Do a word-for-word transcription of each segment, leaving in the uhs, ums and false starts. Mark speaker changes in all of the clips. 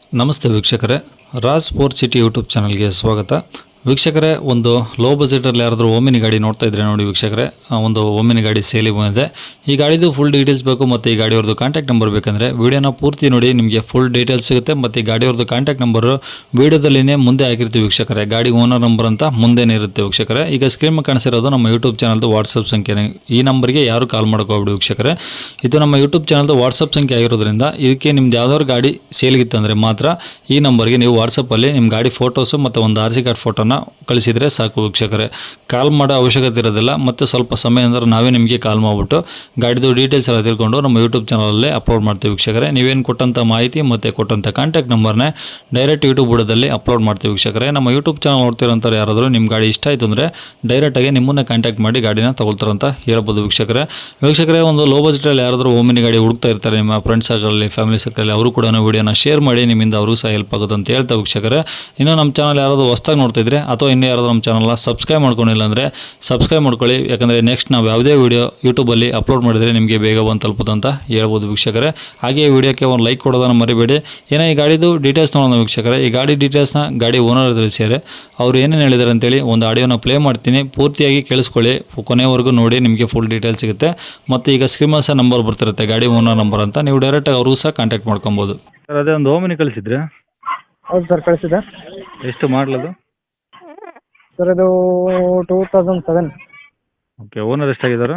Speaker 1: ನಮಸ್ತೆ ವೀಕ್ಷಕರೇ, Raj sport city YouTube ಚಾನಲ್ಗೆ ಸ್ವಾಗತ. ವೀಕ್ಷಕರೇ, ಒಂದು ಲೋ ಬಜೆಟಲ್ಲಿ ಯಾರಾದರೂ ಓಮಿನಿ ಗಾಡಿ ನೋಡ್ತಾ ಇದ್ರೆ ನೋಡಿ ವೀಕ್ಷಕರೇ, ಒಂದು ಓಮಿನಿ ಗಾಡಿ ಸೇಲಿಗೆ ಬಂದಿದೆ. ಈ ಗಾಡಿದು ಫುಲ್ ಡೀಟೇಲ್ಸ್ ಬೇಕು ಮತ್ತು ಈ ಗಾಡಿಯವ್ರದ್ದು ಕಾಂಟ್ಯಾಕ್ಟ್ ನಂಬರ್ ಬೇಕಂದರೆ ವಿಡಿಯೋನ ಪೂರ್ತಿ ನೋಡಿ, ನಿಮಗೆ ಫುಲ್ ಡೀಟೇಲ್ಸ್ ಸಿಗುತ್ತೆ. ಮತ್ತು ಈ ಗಾಡಿಯವ್ರದ್ದು ಕಾಂಟ್ಯಾಕ್ಟ್ ನಂಬರು ವಿಡಿಯೋದಲ್ಲಿನೇ ಮುಂದೆ ಹಾಕಿರ್ತೀವಿ ವೀಕ್ಷಕರೇ. ಗಾಡಿ ಓನರ್ ನಂಬರ್ ಅಂತ ಮುಂದೆನೇ ಇರುತ್ತೆ ವೀಕ್ಷಕರೇ. ಈಗ ಸ್ಕ್ರೀನ್ ಕಾಣಿಸಿರೋದು ನಮ್ಮ ಯೂಟ್ಯೂಬ್ ಚಾನಲ್ದು ವಾಟ್ಸಪ್ ಸಂಖ್ಯೆ. ಈ ನಂಬರ್ಗೆ ಯಾರು ಕಾಲ್ ಮಾಡ್ಕೋಬಿಡಿ ವೀಕ್ಷಕರೇ. ಇದು ನಮ್ಮ ಯೂಟ್ಯೂಬ್ ಚಾನಲ್ದು ವಾಟ್ಸಪ್ ಸಂಖ್ಯೆ ಆಗಿರೋದ್ರಿಂದ ಇದಕ್ಕೆ ನಿಮ್ದು ಯಾವ್ದಾದ್ರು ಗಾಡಿ ಸೇಲ್ಗಿತ್ತಂದರೆ ಮಾತ್ರ ಈ ನಂಬರ್ಗೆ ನೀವು ವಾಟ್ಸಪ್ಪಲ್ಲಿ ನಿಮ್ಮ ಗಾಡಿ ಫೋಟೋಸು ಮತ್ತು ಒಂದು ಆರ್ ಸಿ ಕಾರ್ಡ್ ಫೋಟೋನ ಕಳಿಸಿದರೆ ಸಾಕು ವೀಕ್ಷಕರೇ. ಕಾಲ್ ಮಾಡೋ ಅವಶ್ಯಕತೆ ಇರೋದಿಲ್ಲ. ಮತ್ತು ಸ್ವಲ್ಪ ಸಮಯ ಅಂದರೆ ನಾವೇ ನಿಮಗೆ ಕಾಲ್ ಮಾಡಿಬಿಟ್ಟು ಗಾಡಿದು ಡೀಟೇಲ್ಸ್ ಎಲ್ಲ ತಿಳ್ಕೊಂಡು ನಮ್ಮ ಯೂಟ್ಯೂಬ್ ಚಾನಲಲ್ಲೇ ಅಪ್ಲೋಡ್ ಮಾಡ್ತೀವಿ ವೀಕ್ಷಕರೇ. ನೀವೇನು ಕೊಟ್ಟಂಥ ಮಾಹಿತಿ ಮತ್ತು ಕೊಟ್ಟಂಥ ಕಾಂಟ್ಯಾಕ್ಟ್ ನಂಬರ್ನೇ ಡೈರೆಕ್ಟ್ ಯೂಟ್ಯೂಬ್ ಬುಡದಲ್ಲಿ ಅಪ್ಲೋಡ್ ಮಾಡ್ತೀವಿ ವೀಕ್ಷಕರೇ. ನಮ್ಮ ಯೂಟ್ಯೂಬ್ ಚಾನಲ್ ನೋಡ್ತಿರೋಂಥವ್ರು ಯಾರಾದರೂ ನಿಮ್ಮ ಗಾಡಿ ಇಷ್ಟ ಆಯಿತು ಅಂದರೆ ಡೈರೆಕ್ಟಾಗಿ ನಿಮ್ಮನ್ನೇ ಕಾಂಟ್ಯಾಕ್ಟ್ ಮಾಡಿ ಗಾಡಿನ ತಗೊಳ್ತಾರಂತ ಹೇಳ್ಬೋದು ವೀಕ್ಷಕರೇ. ವೀಕ್ಷಕರೇ, ಒಂದು ಲೋ ಬಜೆಟಲ್ಲಿ ಯಾರಾದರೂ ಓಮಿನಿ ಗಾಡಿ ಹುಡುಕ್ತಾ ಇರ್ತಾರೆ ನಿಮ್ಮ ಫ್ರೆಂಡ್ಸ್ ಸರ್ಕಲಲ್ಲಿ, ಫ್ಯಾಮಿಲಿ ಸರ್ಕಲಲ್ಲಿ, ಅವರು ಕೂಡ ವೀಡಿಯೋನ ಶೇರ್ ಮಾಡಿ, ನಿಮ್ಮಿಂದ ಅವ್ರಿಗೂ ಸಹ ಹೆಲ್ಪ್ ಆಗುತ್ತೆ ಅಂತ ಹೇಳ್ತಾ ವೀಕ್ಷಕರೇ. ಇನ್ನು ನಮ್ಮ ಚಾನಲ್ ಯಾರಾದರೂ ಹೊಸ್ದಾಗಿ ನೋಡ್ತಿದ್ರೆ ಅಥವಾ ಇನ್ನೂ ಯಾರಾದರೂ ನಮ್ಮ ಚಾನಲ್ನ ಸಬ್ಸ್ಕ್ರೈಬ್ ಮಾಡ್ಕೊಂಡಿಲ್ಲ ಅಂದರೆ ಸಬ್ಸ್ಕ್ರೈಬ್ ಮಾಡ್ಕೊಳ್ಳಿ. ಯಾಕಂದರೆ ನೆಕ್ಸ್ಟ್ ನಾವು ಯಾವುದೇ ವೀಡಿಯೋ ಯೂಟ್ಯೂಬಲ್ಲಿ ಅಪ್ಲೋಡ್ ಮಾಡಿದರೆ ನಿಮಗೆ ಬೇಗ ಬಂದು ತಲುಪುತ್ತೆ ಅಂತ ಹೇಳ್ಬೋದು ವೀಕ್ಷಕರೇ. ಹಾಗೆ ಈ ವಿಡಿಯೋಕ್ಕೆ ಒಂದು ಲೈಕ್ ಕೊಡೋದನ್ನು ಮರಿಬೇಡಿ. ಏನೋ ಈ ಗಾಡಿದು ಡೀಟೇಲ್ಸ್ ನೋಡೋಣ ವೀಕ್ಷಕರೇ. ಈ ಗಾಡಿ ಡೀಟೇಲ್ಸ್ನ ಗಾಡಿ ಓನರ್ ತಿಳಿಸಿದ್ದಾರೆ. ಅವರು ಏನೇನು ಹೇಳಿದ್ದಾರೆ ಅಂತೇಳಿ ಒಂದು ಆಡಿಯೋನ ಪ್ಲೇ ಮಾಡ್ತೀನಿ, ಪೂರ್ತಿಯಾಗಿ ಕೇಳಿಸ್ಕೊಳ್ಳಿ, ಕೊನೆವರೆಗೂ ನೋಡಿ, ನಿಮಗೆ ಫುಲ್ ಡೀಟೇಲ್ಸ್ ಸಿಗುತ್ತೆ. ಮತ್ತು ಈಗ ಸ್ಕ್ರೀನ್ ಸಹ ನಂಬರ್ ಬರ್ತಿರುತ್ತೆ, ಗಾಡಿ ಓನರ್ ನಂಬರ್ ಅಂತ, ನೀವು ಡೈರೆಕ್ಟಾಗಿ ಅವ್ರಿಗೂ ಸಹ ಕಾಂಟ್ಯಾಕ್ಟ್ ಮಾಡ್ಕೊಬೋದು.
Speaker 2: ಸರ್, ಅದೇ ಒಂದು ಓಮಿನಿ ಕಳಿಸಿದ್ರೆ.
Speaker 3: ಹೌದು ಸರ್, ಕಳಿಸಿದೆ.
Speaker 2: ಎಷ್ಟು ಮಾಡಲದು?
Speaker 3: ಸರ್, ಇದು two thousand seven.
Speaker 2: Okay, owner ಎಷ್ಟಾಗಿದ್ದಾರೆ?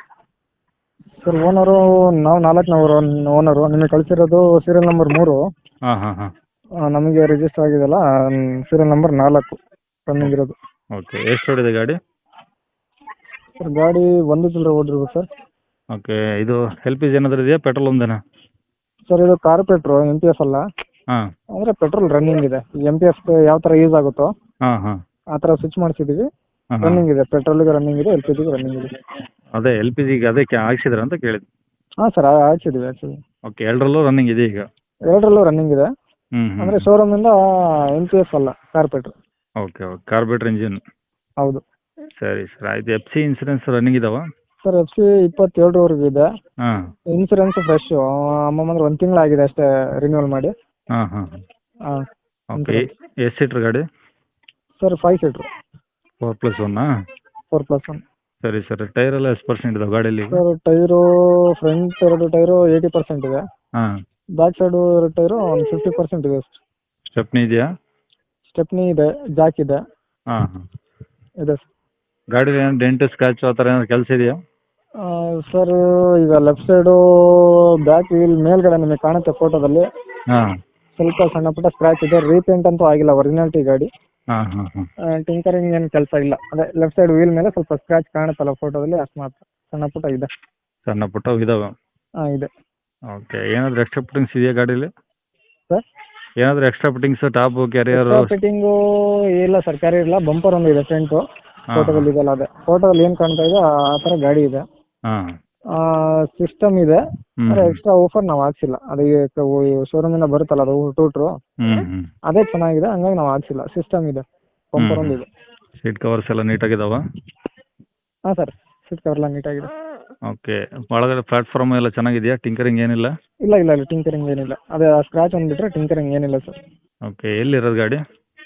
Speaker 3: ಸರ್, ಓನರು ನಾವು ನಾಲ್ಕನವರು ಓನರು. ನಿಮಗೆ ಕಳಿಸಿರೋದು ಸೀರಿಯಲ್ ನಂಬರ್ ಮೂರು.
Speaker 2: ಹಾಂ ಹಾಂ ಹಾಂ
Speaker 3: ಆ, ನಮಗೆ ರಿಜಿಸ್ಟರ್ ಆಗಿದೆಲ್ಲ ಸೀರಿಯಲ್ ನಂಬರ್ ನಾಲ್ಕು ರನ್ನಿಂಗ್ ಇರೋದು.
Speaker 2: ಓಕೆ, ಎಷ್ಟು ಹೊಡಿದೆ ಗಾಡಿ?
Speaker 3: ಸರ್, ಗಾಡಿ ಒಂದು ಚಿಲ್ಲರೆ ಓಡಿರ್ಬೋದು ಸರ್.
Speaker 2: ಓಕೆ, ಇದು ಎಲ್ ಪಿ ಜಿ ಏನಾದರೂ ಇದೆಯಾ, ಪೆಟ್ರೋಲ್ ಒಂದೇನಾ?
Speaker 3: ಸರ್, ಇದು ಕಾರ್ಪೆಟ್ರು, ಎಮ್ ಪಿ ಎಫ್ ಅಲ್ಲ.
Speaker 2: ಹಾಂ
Speaker 3: ಅಂದರೆ ಪೆಟ್ರೋಲ್ ರನ್ನಿಂಗ್ ಇದೆ. ಎಮ್ ಪಿ ಎಫ್ ಯಾವ ಥರ ಯೂಸ್ ಆಗುತ್ತೋ
Speaker 2: ಹಾಂ ಹಾಂ
Speaker 3: ಆ ಥರ ಸ್ವಿಚ್ ಮಾಡಿಸಿದ್ದೀವಿ.
Speaker 2: ಹಾಂ
Speaker 3: ರನ್ನಿಂಗ್ ಇದೆ, ಪೆಟ್ರೋಲಿಗೆ ರನ್ನಿಂಗ್ ಇದೆ, ಎಲ್ ಪಿ ಜಿಗೆ ರನ್ನಿಂಗ್ ಇದೆ.
Speaker 2: ಅದೇ ಎಲ್ ಪಿ ಜಿಗೆ ಅದೇ ಕ್ಯಾ ಹಾಕ್ಸಿದ್ರ ಅಂತ ಕೇಳಿದ್ದು.
Speaker 3: ಹಾಂ ಸರ್, ಹಾಕ್ಸಿದ್ದೀವಿ ಹಾಕ್ಸಿದ್ದೀವಿ.
Speaker 2: ಓಕೆ, ಎರಡರಲ್ಲೂ ರನ್ನಿಂಗ್ ಇದೆ ಈಗ?
Speaker 3: ಎರಡರಲ್ಲೂ ರನ್ನಿಂಗ್ ಇದೆ.
Speaker 2: ಹ್ಞೂ
Speaker 3: ಅಂದರೆ
Speaker 2: ಹ್ಞೂ
Speaker 3: ಶೋರೂಮಿಂದ ಎಮ್ ಪಿ ಎಫ್ ಅಲ್ಲ, carburettor.
Speaker 2: Okay okay, carburettor engine.
Speaker 3: ಹೌದು
Speaker 2: ಸರಿ ಸರ್, ಆಯ್ತು. ಎಫ್ ಸಿ ಇನ್ಸೂರೆನ್ಸ್ ರನ್ನಿಂಗ್ ಇದಾವ?
Speaker 3: ಸರ್, ಎಫ್ ಸಿ ಇಪ್ಪತ್ತೇಳರವರೆಗೆ ಇದೆ.
Speaker 2: ಹಾಂ
Speaker 3: ಇನ್ಸೂರೆನ್ಸ್ ಫ್ರೆಶ್ ಅಮ್ಮಮ್ಮ ಅಂದ್ರೆ ಒಂದು ತಿಂಗಳಾಗಿದೆ ಅಷ್ಟೇ ರಿನ್ಯೂವಲ್ ಮಾಡಿ.
Speaker 2: ಹಾಂ ಹಾಂ
Speaker 3: ಹಾಂ.
Speaker 2: ಓಕೆ, ಎಷ್ಟು ಸೀಟ್ರ್ ಗಾಡಿ?
Speaker 3: Sir, five seater,
Speaker 2: four plus ಒನ್ನಾ?
Speaker 3: Four plus one.
Speaker 2: ಸರಿ ಸರ್, ಟೈರ್ ಎಲ್ಲ ಎಷ್ಟು ಪರ್ಸೆಂಟ್ ಇದಾವೆ ಗಾಡೀಲಿ?
Speaker 3: ಸರ್, ಟೈರು ಫ್ರಂಟ್ ಎರಡು ಟೈರು ಏಯ್ಟಿ ಪರ್ಸೆಂಟ್ ಇದೆ.
Speaker 2: ಹಾಂ.
Speaker 3: ಬ್ಯಾಕ್ ಸೈಡು ಎರಡು ಟೈರು ಒಂದು ಫಿಫ್ಟಿ ಪರ್ಸೆಂಟ್ ಇದೆ.
Speaker 2: ಸ್ಟೆಪ್ನಿ ಇದೆಯಾ?
Speaker 3: ಸ್ಟೆಪ್ನಿ ಇದೆ, ಜಾಕ್ ಇದೆ.
Speaker 2: ಹಾಂ ಹಾಂ.
Speaker 3: ಇದೆ ಸರ್.
Speaker 2: ಗಾಡೀಲಿ ಏನು ಡೆಂಟ್ ಸ್ಕ್ರಾಚ್ ಆ ಥರ ಏನಾದ್ರು ಕೆಲಸ ಇದೆಯಾ?
Speaker 3: ಆ, ಸರ್, ಈಗ ಲೆಫ್ಟ್ ಸೈಡು ಬ್ಯಾಕ್ ವೀಲ್ ಮೇಲ್ಗಡೆ ನಿಮಗೆ ಕಾಣುತ್ತೆ ಫೋಟೋದಲ್ಲಿ,
Speaker 2: ಹಾಂ
Speaker 3: ಸ್ವಲ್ಪ ಸಣ್ಣ ಪುಟ್ಟ ಸ್ಕ್ರ್ಯಾಚ್ ಇದೆ. ರೀಪೇಂಟ್ ಅಂತೂ ಆಗಿಲ್ಲ, ಒರಿಜಿನಾಲಿಟಿ ಗಾಡಿ.
Speaker 2: ಹಾಂ ಹಾಂ ಹಾಂ.
Speaker 3: ಟಿಂಕರಿಂಗ್ ಏನು ಕೆಲಸ ಇಲ್ಲ. ಅದೇ ಲೆಫ್ಟ್ ಸೈಡ್ ವೀಲ್ ಮೇಲೆ ಸ್ವಲ್ಪ ಸ್ಕ್ರ್ಯಾಚ್ ಕಾಣುತ್ತಲ್ಲ ಫೋಟೋದಲ್ಲಿ, ಅಷ್ಟು ಮಾತ್ರ ಸಣ್ಣ ಪುಟ್ಟ ಇದೆ.
Speaker 2: ಸಣ್ಣ ಪುಟ್ಟ ಇದಾವೆ?
Speaker 3: ಹಾಂ, ಇದೆ.
Speaker 2: ಓಕೆ, ಏನಾದರೂ ಎಕ್ಸ್ಟ್ರಾ ಫಿಟ್ಟಿಂಗ್ಸ್ ಇದೆಯಾ ಗಾಡೀಲಿ?
Speaker 3: ಸರ್,
Speaker 2: ಏನಾದರೂ extra fittings, top, carrier?
Speaker 3: Fitting ಇಲ್ಲ ಸರ್, ಕ್ಯಾರಿ ಇಲ್ಲ. ಬಂಪರ್ ಒಂದು ಇದೆ ಫ್ರಂಟು,
Speaker 2: ಹಾಂ
Speaker 3: ಫೋಟೋದಲ್ಲಿ ಇದೆಲ್ಲ ಅದೇ ಫೋಟೋದಲ್ಲಿ ಏನು ಕಾಣ್ತಾ ಇದೆ ಆ ಥರ ಗಾಡಿ ಇದೆ.
Speaker 2: ಹಾಂ.
Speaker 3: ಸಿಸ್ಟಮ್ ಇದೆ,
Speaker 2: ಹ್ಞೂ
Speaker 3: ಅಂದರೆ ಎಕ್ಸ್ಟ್ರಾ ಆಫರ್ ನಾವು ಹಾಕ್ಸಿಲ್ಲ. ಅದು ಶೋರೂಮಿಂದ ಬರುತ್ತಲ್ಲ ಅದು ಟೂಟ್ರು,
Speaker 2: ಹ್ಞೂ ಹ್ಞೂ.
Speaker 3: ಅದೇ ಚೆನ್ನಾಗಿದೆ, ಹಂಗಾಗಿ ನಾವು ಹಾಕ್ಸಿಲ್ಲ. ಸಿಸ್ಟಮ್ ಇದೆ, ಬಂಪರ್ ಒಂದು ಇದೆ.
Speaker 2: ಸೀಟ್ ಕವರ್ಸ್ ಎಲ್ಲ ನೀಟಾಗಿದಾವ?
Speaker 3: ಹಾಂ ಸರ್, ಸೀಟ್ ಕವರ್ ಎಲ್ಲ ನೀಟಾಗಿದೆ.
Speaker 2: ಓಕೆ, ಒಳಗಡೆ ಪ್ಲಾಟ್ಫಾರ್ಮ್ ಎಲ್ಲ ಚೆನ್ನಾಗಿದೆಯಾ? ಟಿಂಕರಿಂಗ್ ಏನಿಲ್ಲ?
Speaker 3: ಇಲ್ಲ ಇಲ್ಲ ಇಲ್ಲ, ಟಿಂಕರಿಂಗ್ ಏನಿಲ್ಲ. ಅದೇ ಸ್ಕ್ರಾಚ್ ಒಂದು ಬಿಟ್ಟರೆ ಟಿಂಕರಿಂಗ್ ಏನಿಲ್ಲ ಸರ್.
Speaker 2: ಓಕೆ, ಎಲ್ಲಿರೋದು ಗಾಡಿ?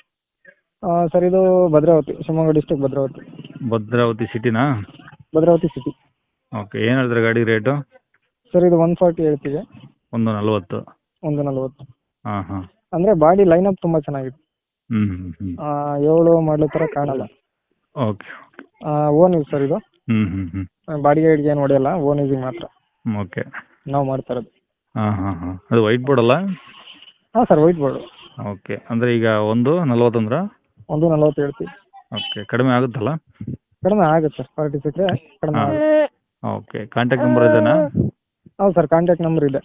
Speaker 3: ಸರ್, ಇದು ಭದ್ರಾವತಿ, ಶಿವಮೊಗ್ಗ ಡಿಸ್ಟ್ರಿಕ್ಟ್ ಭದ್ರಾವತಿ.
Speaker 2: ಭದ್ರಾವತಿ ಸಿಟಿನಾ?
Speaker 3: ಭದ್ರಾವತಿ ಸಿಟಿ.
Speaker 2: ಓಕೆ, ಏನು ಹೇಳಿದ್ರೆ ಗಾಡಿ ರೇಟು?
Speaker 3: ಸರ್, ಇದು ಒನ್ ಫಾರ್ಟಿ ಹೇಳ್ತೀವಿ.
Speaker 2: ಒಂದು ನಲ್ವತ್ತು?
Speaker 3: ಒಂದು ನಲ್ವತ್ತು.
Speaker 2: ಹಾಂ ಹಾಂ.
Speaker 3: ಅಂದರೆ ಬಾಡಿ ಲೈನಪ್ ತುಂಬ ಚೆನ್ನಾಗಿದೆ.
Speaker 2: ಹ್ಞೂ ಹ್ಞೂ ಹ್ಞೂ.
Speaker 3: ಏಳು ಮಾಡಲು ಥರ ಕಾಣಲ್ಲ.
Speaker 2: Okay okay.
Speaker 3: Own use sir ಇದು.
Speaker 2: ಹ್ಞೂ ಹ್ಞೂ ಹ್ಞೂ.
Speaker 3: ಬಾಡಿಗೆ ಗಿಡಿಗೆ ಏನು ಹೊಡೆಯಲ್ಲ, ಓನ್ ಯೂಸಿಗೆ ಮಾತ್ರ
Speaker 2: ಓಕೆ.
Speaker 3: ನಾವು ಮಾಡ್ತಾ ಇರೋದು.
Speaker 2: ಹಾಂ ಹಾಂ ಹಾಂ. ಅದು ವೈಟ್ ಬೋರ್ಡ್ ಅಲ್ಲ?
Speaker 3: ಹಾಂ ಸರ್, ವೈಟ್ ಬೋರ್ಡು.
Speaker 2: ಓಕೆ, ಅಂದರೆ ಈಗ ಒಂದು ನಲ್ವತ್ತಂದ್ರೆ?
Speaker 3: ಒಂದು ನಲ್ವತ್ತು ಹೇಳ್ತೀವಿ.
Speaker 2: ಓಕೆ, ಕಡಿಮೆ ಆಗುತ್ತಲ್ಲ?
Speaker 3: ಕಡಿಮೆ ಆಗುತ್ತೆ ಸರ್, ಫಾರ್ಟಿ ಸಿಕ್ಕರೆ ಕಡಿಮೆ
Speaker 2: ಹಾಂ.
Speaker 3: ಆಗುತ್ತೆ.
Speaker 2: ಓಕೆ, ಕಾಂಟ್ಯಾಕ್ಟ್ ನಂಬರ್ ಇದೆನಾ?
Speaker 3: ಹೌದು ಸರ್, ಕಾಂಟ್ಯಾಕ್ಟ್ ನಂಬರ್ ಇದೆ.